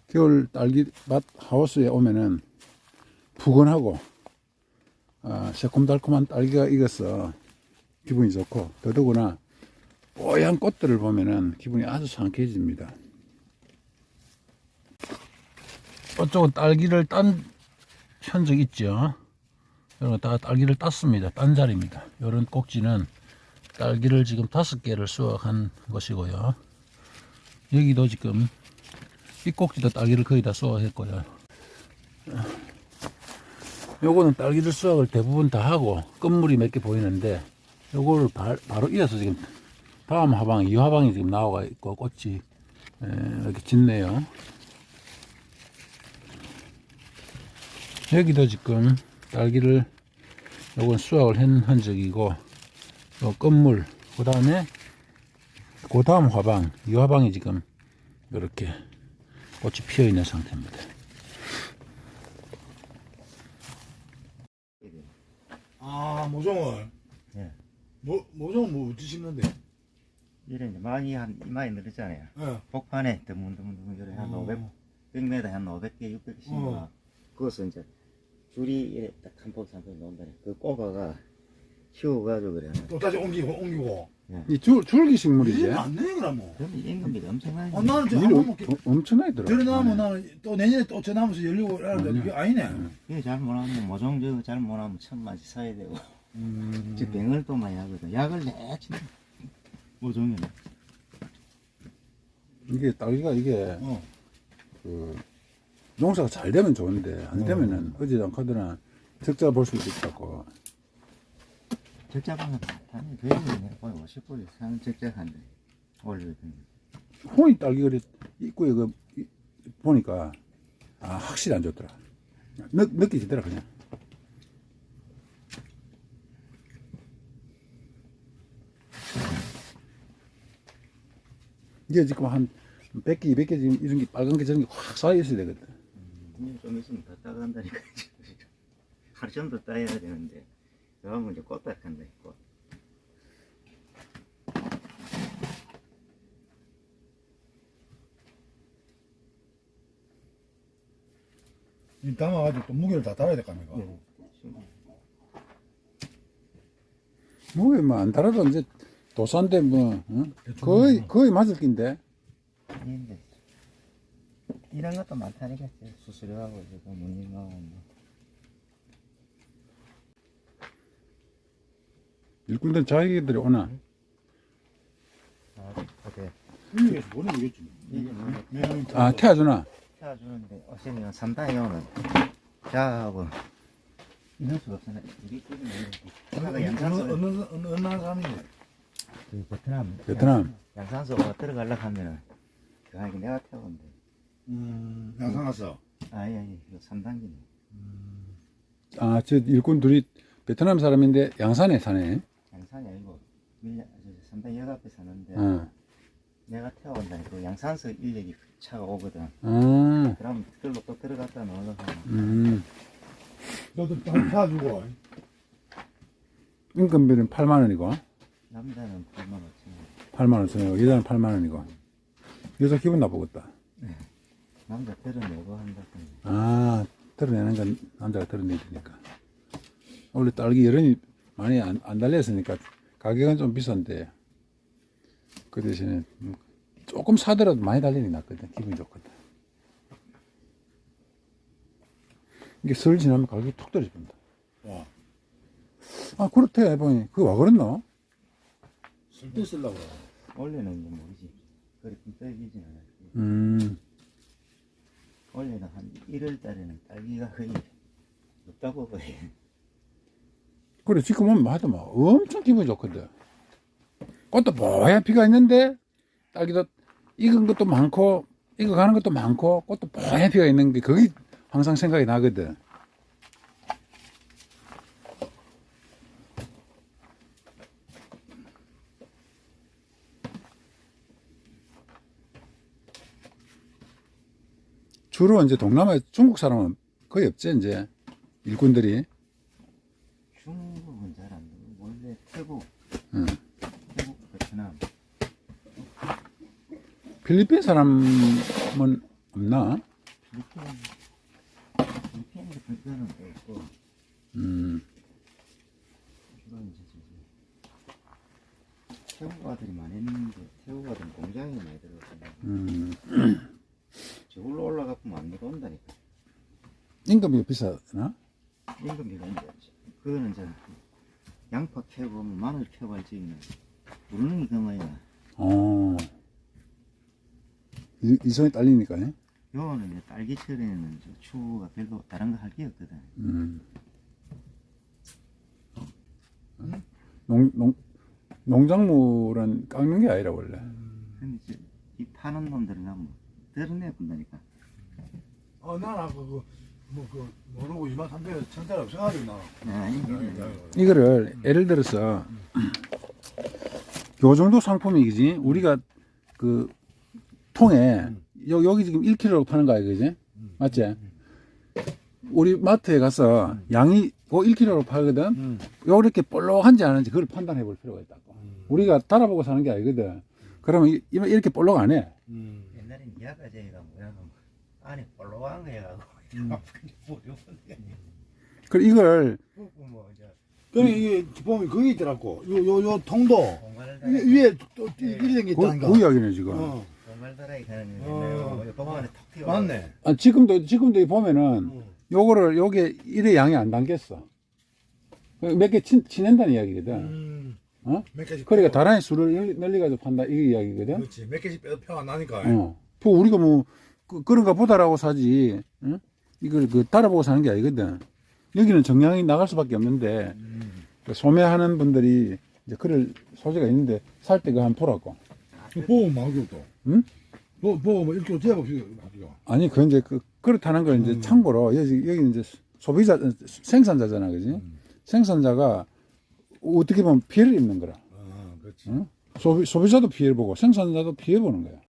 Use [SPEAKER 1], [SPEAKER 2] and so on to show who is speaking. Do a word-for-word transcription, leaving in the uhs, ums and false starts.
[SPEAKER 1] 겨울 딸기밭 하우스에 오면은 푸근하고 아, 새콤달콤한 딸기가 익어서 기분이 좋고, 더더구나 뽀얀 꽃들을 보면은 기분이 아주 상쾌해집니다. 이쪽은 딸기를 딴 현적 있죠. 여러분, 다 딸기를 땄습니다. 딴 자리입니다. 이런 꼭지는 딸기를 지금 다섯 개를 수확한 것이고요. 여기도 지금 이 꼭지도 딸기를 거의 다 수확했고요. 요거는 딸기를 수확을 대부분 다 하고 끝물이 몇 개 보이는데, 요거를 바, 바로 이어서 지금 다음 화방, 이 화방이 지금 나와 있고 꽃이 에, 이렇게 짙네요. 여기도 지금 딸기를 요건 수확을 한 흔적이고, 요 끝물, 그 다음에 그 다음 화방, 이 화방이 지금 이렇게 꽃이 피어 있는 상태입니다.
[SPEAKER 2] 아, 모종을.
[SPEAKER 3] 예.
[SPEAKER 2] 모, 모종은 뭐 어찌 심는데?
[SPEAKER 3] 이래 이제 많이 한 이마에 늘었잖아요.
[SPEAKER 2] 예.
[SPEAKER 3] 복판에 드문드문드문 이래 한
[SPEAKER 2] 어.
[SPEAKER 3] 오백, 백 미터 한 오백 개, 육백 개 심어.
[SPEAKER 2] 어.
[SPEAKER 3] 그것을 이제 줄이 이래 딱 한 포, 삼 포 놓는다네. 그 꼬바가 키워가지고 그래.
[SPEAKER 2] 또 다시 옮기고, 옮기고.
[SPEAKER 1] 이 줄, 줄기 식물이지?
[SPEAKER 2] 이게 맞네, 그러면.
[SPEAKER 3] 그러면 임금이 엄청나게.
[SPEAKER 2] 어, 나는 저
[SPEAKER 1] 일
[SPEAKER 2] 한
[SPEAKER 1] 어,
[SPEAKER 2] 번 먹기.
[SPEAKER 1] 엄청나게 들어.
[SPEAKER 2] 들어나면 나는 또 내년에 또 저 나무에서 열리고 이러는데
[SPEAKER 1] 아니야.
[SPEAKER 2] 그게 아니네.
[SPEAKER 3] 그게 잘 못하면 모종 저거 잘 못하면 천마지 사야 되고.
[SPEAKER 2] 음.
[SPEAKER 3] 즉 병을 또 많이 하거든. 약을 내치 모종이네.
[SPEAKER 1] 이게 딸기가 이게
[SPEAKER 2] 어.
[SPEAKER 1] 그 농사가 잘 되면 좋은데 안 되면은 어지도 않거나 적자 볼 수도 있다고.
[SPEAKER 3] 적자방은 많다네. 그래도 거의 오십 불 이상 적자한데 올리거든요.
[SPEAKER 1] 혼이 딸기 그래 입구에 그 이- 보니까 아 확실히 안 좋더라. 느, 느끼지더라 그냥. 이게 지금 한 백 개, 이백 개 지금 이런 게 빨간 게 저런 게 확 쌓여 있어야 되거든.
[SPEAKER 3] 음, 좀 있으면 다 따간다니까. 하루 정도 따야 되는데 그러면 이제 꽃딱 한다 꽃.
[SPEAKER 2] 이 담아가지고 또 무게를 다 달아야 될 거 아닙니까?
[SPEAKER 3] 네.
[SPEAKER 1] 뭐뭐 안 달아도 이제 도산데 뭐 어? 거의 거의 맞을 낀데.
[SPEAKER 3] 아닌데 이런 것도 많다니까. 수수료하고 지금 문님하고 뭐.
[SPEAKER 1] 일꾼들 자기들이 오나.
[SPEAKER 3] 아, 어때?
[SPEAKER 2] 일리에서 뭐는 모르겠지.
[SPEAKER 3] 이게 뭐
[SPEAKER 2] 네.
[SPEAKER 1] 아 태워주나.
[SPEAKER 3] 태워주는데 어시면 삼단이 오면 자하고 이럴 수가 없잖아. 우리 집은 하나가
[SPEAKER 2] 어느,
[SPEAKER 3] 양산소
[SPEAKER 2] 어느, 어느, 어느, 어느 나라 사람인데?
[SPEAKER 3] 그 베트남
[SPEAKER 1] 베트남.
[SPEAKER 3] 양산소가 들어가려고 하면은 그 아니 내가 태운데.
[SPEAKER 2] 음, 양산 왔어.
[SPEAKER 3] 아니 아니 이거 삼 단계네.
[SPEAKER 1] 아 저 일꾼 둘이 베트남 사람인데 양산에 사네.
[SPEAKER 3] 양산이 아니고 밀려 삼 단 역 앞에 사는데
[SPEAKER 1] 어.
[SPEAKER 3] 내가 태워온다니까. 그 양산소 인력이 차가 오거든.
[SPEAKER 1] 어.
[SPEAKER 3] 그럼 그걸로 또 들어갔다 나오려고 하면
[SPEAKER 1] 음.
[SPEAKER 2] 너도 한 사주고.
[SPEAKER 1] 인건비는 팔만 원이고
[SPEAKER 3] 남자는 불만 없지.
[SPEAKER 1] 팔만 원 쓰고 여자는 팔만 원이고. 여자 기분 나쁘겠다.
[SPEAKER 3] 남자 들어내고 한다.
[SPEAKER 1] 아 드러내는 건 남자가 드러내야 되니까. 원래 딸기 여론이 많이 안, 안 달렸으니까 가격은 좀 비싼데 그 대신에 조금 사더라도 많이 달리는 게 낫거든. 기분이 좋거든. 이게 설 지나면 가격이 툭 떨어집니다.
[SPEAKER 2] 와.
[SPEAKER 1] 아 그렇대 보니 그거 와 그랬노?
[SPEAKER 2] 쓸데 쓰려고.
[SPEAKER 3] 원래는 이제 모르지. 그렇게 떨기진 않아.
[SPEAKER 1] 음.
[SPEAKER 3] 원래는 한 일월 달에는 딸기가 거의 없다고 그래.
[SPEAKER 1] 그래 지금 오면 하도 막 엄청 기분이 좋거든. 꽃도 뽀얀 피가 있는데 딸기도 익은 것도 많고 익어가는 것도 많고 꽃도 뽀얀 피가 있는 게 그게 항상 생각이 나거든. 주로 이제 동남아 중국 사람은 거의 없지 이제 일꾼들이.
[SPEAKER 3] 중국은 잘 안 되고 원래 태국,
[SPEAKER 1] 응.
[SPEAKER 3] 태국, 베트남.
[SPEAKER 1] 필리핀 사람은 없나?
[SPEAKER 3] 리피엔 리피엔 같은 거는 없고
[SPEAKER 1] 음.
[SPEAKER 3] 주로 이제 저기 태우가들이 많이 있는데 태우가들은 공장에 많이 들어가서
[SPEAKER 1] 음.
[SPEAKER 3] 저걸로 올라가면 안 내려온다니까.
[SPEAKER 1] 임금이 비싸나?
[SPEAKER 3] 임금비가 이제 그거는 이제 양파 캐고 마늘 캐고 할 적에는 물릉이 그만이야.
[SPEAKER 1] 어. 이, 이성이 딸리니까. 예?
[SPEAKER 3] 요거는 이제 딸기철에는 저 추가 별로 다른 거 할 게 없거든.
[SPEAKER 1] 음. 농, 농, 농작물은 깎는 게 아니라 원래.
[SPEAKER 3] 근데 이제 이 파는 놈들은 가면 드러내 본다니까.
[SPEAKER 2] 어, 나는 아까 그, 뭐, 그, 모르고 이만 삼백 천짜리 없어가지고, 나.
[SPEAKER 3] 아니,
[SPEAKER 1] 이거를 예를 들어서 요 정도 상품이지 우리가 그 통에 여, 여기 지금 일 킬로그램로 파는 거야 그지? 맞지? 우리 마트에 가서 양이 그 일 킬로그램로 팔거든.
[SPEAKER 2] 음.
[SPEAKER 1] 요렇게 볼록한지 아닌지 그걸 판단해 볼 필요가 있다고. 우리가 달아보고 사는 게 아니거든. 그러면 이- 이렇게 볼록 안 해.
[SPEAKER 2] 음.
[SPEAKER 3] 옛날엔 야가제가 뭐야, 안에 볼록한 거 해가지고
[SPEAKER 2] 음.
[SPEAKER 1] 그래 이걸
[SPEAKER 3] 뭐 이제
[SPEAKER 2] 그러니까 이게 보면 그게 있더라고. 요, 요, 요 통도.
[SPEAKER 3] 공갈
[SPEAKER 2] 위- 위에 또 이리 된게
[SPEAKER 1] 그,
[SPEAKER 2] 있다니까.
[SPEAKER 1] 그 이야기네 지금.
[SPEAKER 2] 어.
[SPEAKER 3] 공갈 다라이 가는
[SPEAKER 2] 어.
[SPEAKER 3] 거 도망안에 턱 튀어.
[SPEAKER 2] 맞네.
[SPEAKER 1] 아, 지금도 지금도 보면은
[SPEAKER 2] 어.
[SPEAKER 1] 요거를 요게 일의 양이 안 담겼어. 몇 개 치낸다는 이야기거든.
[SPEAKER 2] 음.
[SPEAKER 1] 어?
[SPEAKER 2] 몇 개씩.
[SPEAKER 1] 그러니까
[SPEAKER 2] 빼고.
[SPEAKER 1] 다란히 술을 널리, 널리 가지고 판다 이 이야기거든.
[SPEAKER 2] 그렇지. 몇 개씩 빼도 표가 나니까.
[SPEAKER 1] 어. 그 우리가 뭐 그, 그런가 보다라고 사지. 응? 이걸 그 따라보고 사는 게 아니거든. 여기는 정량이 나갈 수밖에 없는데
[SPEAKER 2] 음.
[SPEAKER 1] 그 소매하는 분들이 이제 그럴 소지가 있는데 살 때 그 한 보라고.
[SPEAKER 2] 그 보험 마구 또.
[SPEAKER 1] 응?
[SPEAKER 2] 보, 보험 뭐 이렇게 재봅시다.
[SPEAKER 1] 아니 그 이제 그 그렇다는 걸 이제
[SPEAKER 2] 음.
[SPEAKER 1] 참고로 여기 여기 이제 소비자 생산자잖아, 그지?
[SPEAKER 2] 음.
[SPEAKER 1] 생산자가 어떻게 보면 피해를 입는 거라.
[SPEAKER 2] 아, 그렇지.
[SPEAKER 1] 응? 소비 소비자도 피해를 보고 생산자도 피해 보는 거야.